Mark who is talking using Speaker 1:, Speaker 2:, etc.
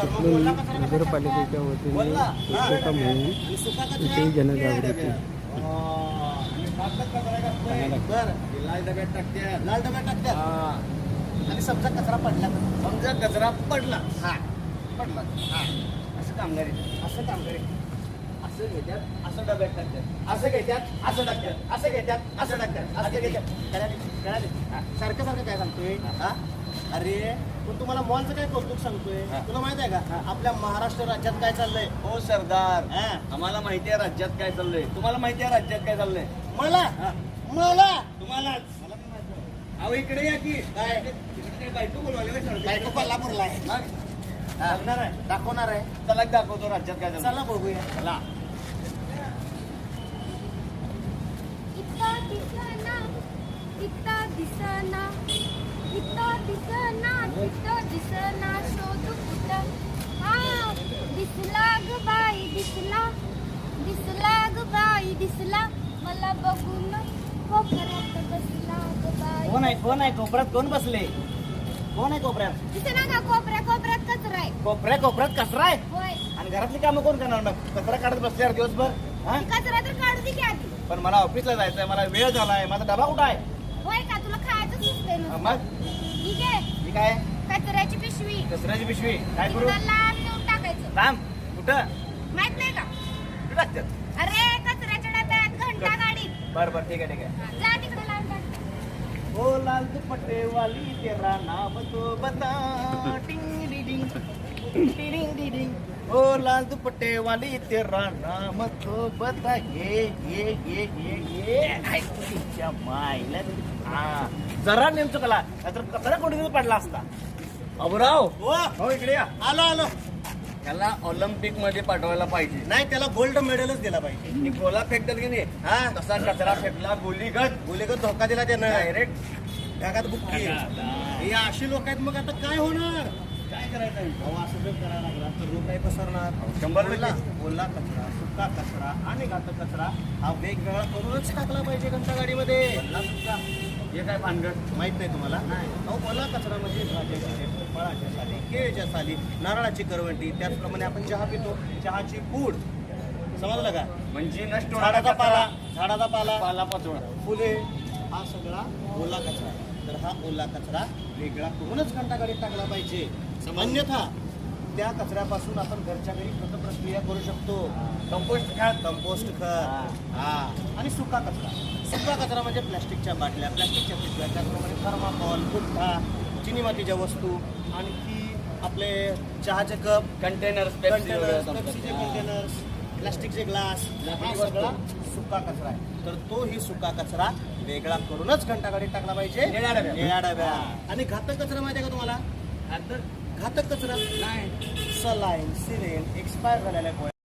Speaker 1: चिखली नगरपालिकेच्या वतीने स्वच्छता मोहीम विषयी जनजागृती.
Speaker 2: लाल डब्यात टाकत्या आणि समजा कचरा पडला हा पडला हा असं कामगारी असं घेतात असं डब्यात टाकतात असं घेतात असं टाकतात असं घेतात असं टाकतात असं घेतात सारखं सारखं काय सांगतोय हा अरे पण तुम्हाला मॉलचं काय कौतुक सांगतोय तुला माहित आहे का आपल्या महाराष्ट्र राज्यात काय चाललंय
Speaker 3: हो सरदार आम्हाला माहिती आहे राज्यात काय चाललंय तुम्हाला माहिती आहे राज्यात काय चाललंय
Speaker 2: मला
Speaker 3: तुम्हालाच अहो इकडे या की काय बायको बोलवाले
Speaker 2: बायको कोल्हापूरला आहे दाखवणार आहे
Speaker 3: चला दाखवतो राज्यात काय चाललंय
Speaker 2: चला बघूया
Speaker 3: चला
Speaker 4: दिसना शोध कुठं हा दिसला ग बाई दिसला ग बाई दिसला मला बघून कोपऱ्यात बसला ग बाई.
Speaker 2: कोण आहे कोपऱ्यात कोण बसले कोण आहे कोपऱ्यात
Speaker 4: दिसना का कोपऱ्यात कचरा आहे.
Speaker 2: कोपऱ्यात कचरा आहे
Speaker 4: होय
Speaker 2: आणि घरातली कामं कोण करणार मग कचरा काढत बसल्यावर दिवसभर हा
Speaker 4: कचरा तर काढू दे की आधी.
Speaker 2: पण मला ऑफिसला जायचंय मला वेळ झालाय माझा डबा कुठं आहे
Speaker 4: होय का तुला खायचं सुचतंय ना
Speaker 2: मग
Speaker 4: ठीक आहे
Speaker 2: मी काय
Speaker 4: कचऱ्याची पिशवी
Speaker 2: कचऱ्याची पिशवी काय करू
Speaker 4: तिकडं लांब नेऊन टाकायचं.
Speaker 2: काम कुठं
Speaker 4: माहित नाही का
Speaker 2: कुठं टाकतात
Speaker 4: अरे कचऱ्याच्या डब्यात घंटा गाडीत
Speaker 2: बरं ठीक आहे
Speaker 4: जा तिकडे लांब टाक.
Speaker 2: ओ लाल दुपट्टे वाली तेरा नाम तो बता टिंग डिडिंग टिडिंग डिडिंग ओ लाल दुपट्टे वाली तेरा नाम तो बता ये ऐकूच्या मायला हा जरा नेमचं कला नाहीतर कचरा कोणी पडला असता
Speaker 3: अबराव
Speaker 2: हो इकडे या आलो
Speaker 3: त्याला ऑलिम्पिक मध्ये पाठवायला पाहिजे
Speaker 2: नाही त्याला गोल्ड मेडलच दिला पाहिजे
Speaker 3: आणि गोला फेकतात की नाही
Speaker 2: हा
Speaker 3: तसा कचरा फेकला गोलीगत
Speaker 2: धोका दिला त्यानं
Speaker 3: डायरेक्ट
Speaker 2: ढगात बुक्की हे अशी लोक आहेत मग आता काय होणार काय करायचं अहो असं जर करायला लागला तर रोग काय पसरणार
Speaker 3: 100%
Speaker 2: ओला कचरा सुका कचरा आणि घातक कचरा हा वेगवेगळा करूनच टाकला पाहिजे घंटा गाडीमध्ये
Speaker 3: हे काय भानगड
Speaker 2: माहित नाही तुम्हाला अहो ओला कचरा म्हणजे भाज्याची फळाच्या साली केळीच्या साली नारळाची करवंटी त्याचप्रमाणे आपण चहा पितो चहाची पूड समजलं का
Speaker 3: म्हणजे नष्ट
Speaker 2: झाडाचा पाला
Speaker 3: पाला पाचोळा
Speaker 2: फुले हा सगळा ओला कचरा तर हा ओला कचरा वेगळा करूनच घंटागाडीत टाकला पाहिजे अन्यथा त्या कचऱ्यापासून आपण घरच्या घरी खत प्रक्रिया करू शकतो कंपोस्ट खत हा आणि सुका कचरा म्हणजे प्लॅस्टिकच्या बाटल्या प्लॅस्टिकच्या पिशव्या त्याचप्रमाणे थर्माकॉल पुठ्ठा चिनी मातीच्या वस्तू आणखी आपले चहाचे कप
Speaker 3: कंटेनर्स
Speaker 2: पेप्सीचे कंटेनर्स प्लास्टिकचे ग्लास हा सगळा सुका कचरा आहे तर तो ही सुका कचरा वेगळा करूनच घंटागाडीत टाकला पाहिजे निळ्या डब्या आणि घातक कचरा माहिती आहे का तुम्हाला घातक कचरा नाही सलाईन सिरेन एक्सपायर झालेल्या गोळ्या